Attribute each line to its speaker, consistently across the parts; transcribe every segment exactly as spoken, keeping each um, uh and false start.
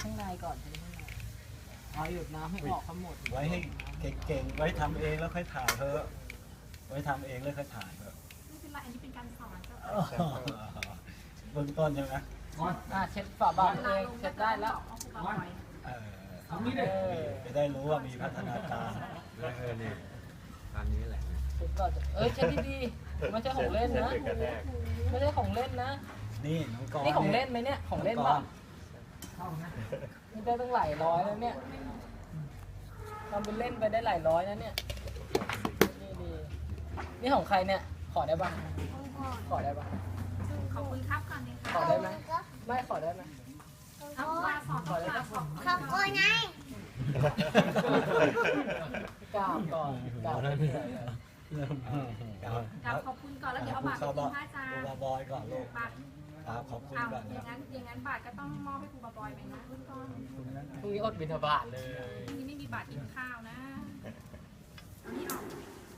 Speaker 1: ข้างในก่อนเทข้างในเอาหยุดน้ำให้ออกทั้งหมด
Speaker 2: ไว้ให้เก่งๆไว้ทำเองแล้วค่อยถ่ายเถอะไว้ทำเองแล้วค่อยถ่ายเถอะ
Speaker 3: ไม่เป็นไรอันนี้เป็นการสอนเจ้า
Speaker 2: เบื้องต้นใช่ไหม
Speaker 1: อ่ะเช็ดฝาบาทเองเช็ดได้แล้ว
Speaker 2: เออจะได้รู้ว่ามีพัฒนาการ
Speaker 4: เออเนี่ยตอนนี้แหละ
Speaker 1: เช็ดก่อนเออเช็ดดีๆไม่ใช่ของเล่นนะไม่ใช่ของเล่นนะ
Speaker 2: นี่น้องกรณ์
Speaker 1: นี่ของเล่นไหมเนี่ยของเล่นป่ะนี่ได้ตั้งหลายร้อยแล้วเนี่ยทำเป็นเล่นไปได้หลายร้อยนะเนี่ยนี่ดีนี่ของใครเนี่ยขอได้ป่ะขอได้ป่ะ
Speaker 3: ขอบคุณครับก่อนเลย
Speaker 1: ขอได้ไหมไม่ขอได้ไหม
Speaker 3: เอาว่าสอน
Speaker 1: ขอได้ป่ะ
Speaker 5: ขอบคุณไง
Speaker 1: กราบก่อนกราบ
Speaker 3: ครับขอบคุณก่อนแล้วเดี๋ยวเอาบาตรไปกินพระอาจารย์
Speaker 2: ครูบาบอยก่อนลูก
Speaker 3: บาตร
Speaker 2: ครับขอบคุณ
Speaker 3: เอา
Speaker 2: ก่อน
Speaker 3: อย่า
Speaker 2: นะ
Speaker 3: งนั้นอย่างนั้นบาตรก็ต้องมอบให้ครูบาบอยไหมนะเบื้องต้น
Speaker 1: พรุ่งนี้อดบิณฑบาตเลย
Speaker 3: นี่ไม่มีบาตรกินข้าวนะเอานี่ออก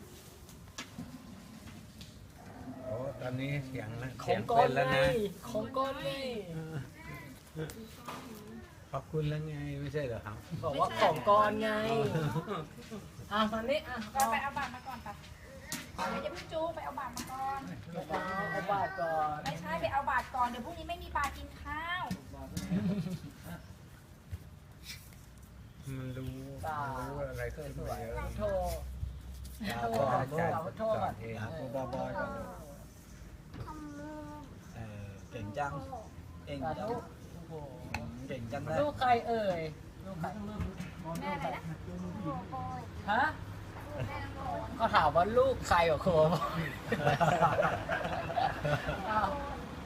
Speaker 4: โอ้ตอนนี้เสียง
Speaker 1: ข
Speaker 4: เสี
Speaker 1: อย ง
Speaker 4: ง
Speaker 1: ก้อ
Speaker 4: เป็น นแล้ว
Speaker 1: ไง
Speaker 4: นะ
Speaker 1: ของก้อนไง
Speaker 4: ขอบคุณแล้วไงไม่ใช่เหรอครับ
Speaker 1: บอกว่าของก้อนไงอ่ะตอนนี้อ่ะ
Speaker 3: ไปไปเอาบาตรมาก่อนไปเดี๋ยวจะพี่จูไปเอาบาตรมาก่อน
Speaker 1: เอาเอาบาทก่อน
Speaker 3: ไม่ใช่ไปเอาบาตรก่อนเดี๋ยวพรุ่งนี้ไม่มีบาตรกินข้าว
Speaker 4: มันรู้รู้อะไรก็สวย
Speaker 1: โทษ
Speaker 2: ครับ
Speaker 1: โท
Speaker 2: ก่อน
Speaker 1: ษ
Speaker 2: ลูก
Speaker 1: ขอโทษก่อน
Speaker 2: ครับครูบาบอยก่อนลูกเออเก่งจังเก่ง
Speaker 1: สา
Speaker 2: จัง
Speaker 1: ธุโอ้โห
Speaker 2: เก่งจังเลย
Speaker 1: ลูกใครเอ่ยลูกใคร
Speaker 3: แม่อะไรนะ
Speaker 1: ฮะก็ถามว่าลูกใครเหรอครูอ้าว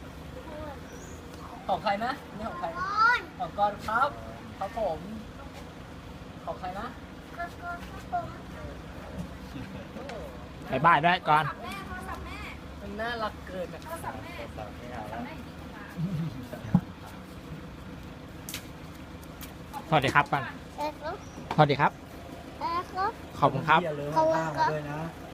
Speaker 1: ของใครนะนี่ของใครของกอนครับครับผมของใครนะ
Speaker 6: ไปบ้านด้วยก่อน
Speaker 3: แม่โทรศัพท์แม่
Speaker 1: มันน่ารักเกินอ่ะ
Speaker 3: โทรศัพท์แม่โทรศัพท์แม่อยู่ที่กุมาร
Speaker 6: สวัสดีครับก่อน
Speaker 5: เออครับ
Speaker 6: สวัสดีครับ
Speaker 5: เออครับ
Speaker 6: ขอบคุณครับ
Speaker 2: อย่าลืมเอาผ้ามาด้วยนะ